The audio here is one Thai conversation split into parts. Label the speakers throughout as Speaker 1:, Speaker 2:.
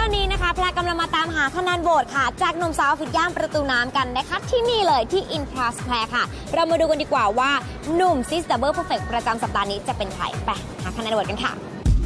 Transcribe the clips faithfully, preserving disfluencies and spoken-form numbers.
Speaker 1: อนนี้นะคะแพรกำลังมาตามหาคะแนนโหวตค่ะจากหนุ่มสาวฟิตย่านประตูน้ำกันนะคะที่นี่เลยที่ In Plus แพรค่ะเรามาดูกันดีกว่าว่าหนุ่มซิสดับเบิลเพอร์เฟกต์ประจำสัปดาห์นี้จะเป็นใครไปหาคะแนนโหวตกันค่ะ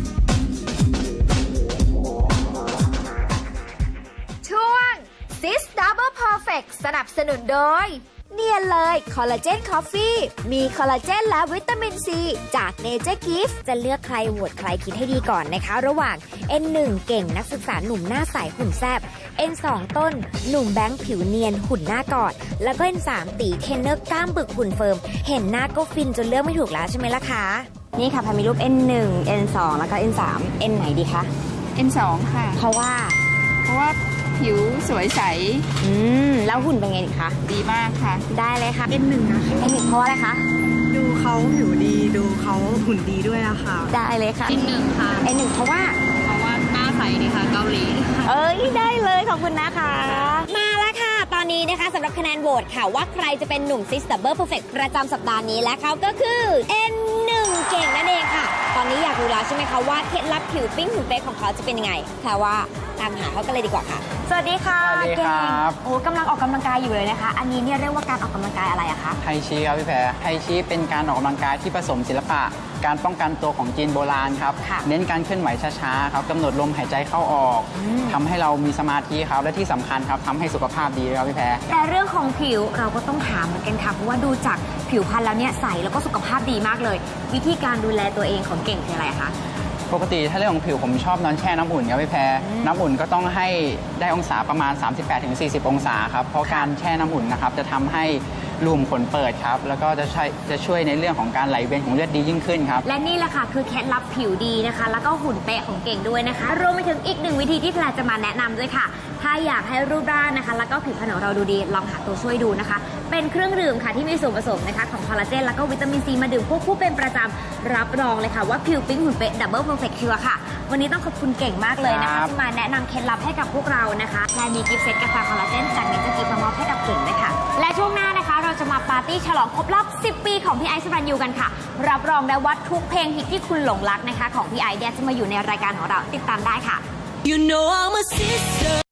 Speaker 2: ช่วง Sis Double Perfect สนับสนุนโดยเนียนเลยคอลลาเจนคอฟฟี่มีคอลลาเจนและวิตามินซีจากเนเจอร์กิฟต์จะเลือกใครโหวตใครคิดให้ดีก่อนนะคะระหว่าง เอ็น หนึ่ง เก่งนักศึกษาหนุ่มหน้าใสหุ่นแซบ เอ็น สอง ต้นหนุ่มแบงค์ผิวเนียนหุ่นหน้ากอดแล้วก็ เอ็น สาม ตีเทรนเนอร์กล้ามบึกหุ่นเฟิร์มเห็นหน้าก็ฟินจนเลือกไม่ถูกแล้วใช่ไหมล่ะคะ
Speaker 1: นี่ค่ะแพรมีรูป เอ็น หนึ่ง เอ็น สอง แล้วก็ เอ็น สาม เอ็น ไหนดีคะ
Speaker 3: เอ็น สอง ค่ะ
Speaker 1: เพราะว่า
Speaker 3: เพราะว่าผิวสวยใส
Speaker 1: อืมแล้วหุ่นเป็นไงดีคะ
Speaker 3: ดีมากค่ะ
Speaker 1: ได้เลยค่ะ
Speaker 4: เอ็น หนึ่ง นะคะ
Speaker 1: เอ็น หนึ่ง เพราะอะไรคะ
Speaker 4: ดูเขาผิวดีดูเขาหุ่นดีด้วยอะค่ะ
Speaker 1: ได้เลยค่ะ
Speaker 3: เอ็น หนึ่ง ค่ะ
Speaker 1: เอ็น หนึ่ง เพราะว่า
Speaker 3: เพราะว่าหน้าใสดีค่ะเกาหลี
Speaker 1: เอ้ยได้เลยขอบคุณนะคะ มาแล้วค่ะ ตอนนี้นะคะสำหรับคะแนนโหวตค่ะว่าใครจะเป็นหนุ่มซิสดับเบิลเพอร์เฟกต์ประจำสัปดาห์นี้และเขาก็คือ เอ็น หนึ่ง เก่งนั่นเองค่ะ ตอนนี้อยากรู้แล้วใช่ไหมคะว่าเคล็ดลับผิวปิ้งหุ่นเป๊กของเขาจะเป็นยังไงแต่ว่าตามหาเขากันเลยดีกว่าค่ะสวัสดีค่ะ
Speaker 5: สวัสดีครับ
Speaker 1: เก่งโอ้กำลังออกกำลังกายอยู่เลยนะคะ อันนี้เนี่ยเรียกว่าการออกกำลังกายอะไรอะคะ
Speaker 5: ไทชีครับพี่แพรไทชีเป็นการออกกำลังกายที่ผสมศิลปะ การป้องกันตัวของจีนโบราณครับ
Speaker 1: ค่ะ
Speaker 5: เน้นการเคลื่อนไหวช้าๆครับกำหนดลมหายใจเข้าออกทำให้เรามีสมาธิครับและที่สำคัญครับทำให้สุขภาพดีครับพี่แพร
Speaker 1: แต่เรื่องของผิวเราก็ต้องถามเหมือนกันค่ะเพราะว่าดูจากผิวพรรณแล้วเนี่ยใสแล้วก็สุขภาพดีมากเลย วิธีการดูแลตัวเองของเก่งคืออะไรคะ
Speaker 5: ปกติถ้าเรื่องของผิวผมชอบนอนแช่น้ำอุ่นครับพี่แพรน้ำอุ่นก็ต้องให้ได้องศาประมาณ สามสิบแปดถึงสี่สิบ องศาครับเพราะการแช่น้ำอุ่นนะครับจะทำให้รูมขนเปิดครับแล้วก็จะช่วยจะช่วยในเรื่องของการไหลเวียนของเลือดดียิ่งขึ้นครับ
Speaker 1: และนี่แหละค่ะคือเคล็ดลับผิวดีนะคะแล้วก็หุ่นเป๊ะของเก่งด้วยนะคะรวมไปถึงอีกหนึ่งวิธีที่แพรจะมาแนะนำด้วยค่ะถ้าอยากให้รูปร่างนะคะแล้วก็ผิวพรรณของเราดูดีลองหาตัวช่วยดูนะคะเป็นเครื่องดื่มค่ะที่มีส่วนผสมนะคะของคอลลาเจนแล้วก็วิตามินซีมาดื่มควบคู่เป็นประจำรับรองเลยค่ะว่าผิวปิ๊งหุ่นเป๊ะดับเบิลเพอร์เฟกต์ชัวร์ค่ะวันนี้ต้องขอบคุณเก่งมากเลยนะ
Speaker 5: ครั
Speaker 1: คะ
Speaker 5: บ
Speaker 1: ที่มาแนะนำเคล็ดลับให้กับพวกเรานะคะแพรมีกิฟต์เซตกาแฟคอลลาเจนจากเนเจอร์กิฟต์มามอบให้กับเก่งด้วยค่ะและช่วงหน้านะคะเราจะมาปาร์ตี้ฉลองครบรอบสิบปีของพี่ไอซ์สรัญยูกันค่ะรับรองได้ว่าทุกเพลงฮิตที่คุณหลงรักนะคะของพี่ไอซ์เนี่ยจะมาอยู่ในรายการของเราติดตามได้ค่ะ
Speaker 6: You know I'm a sister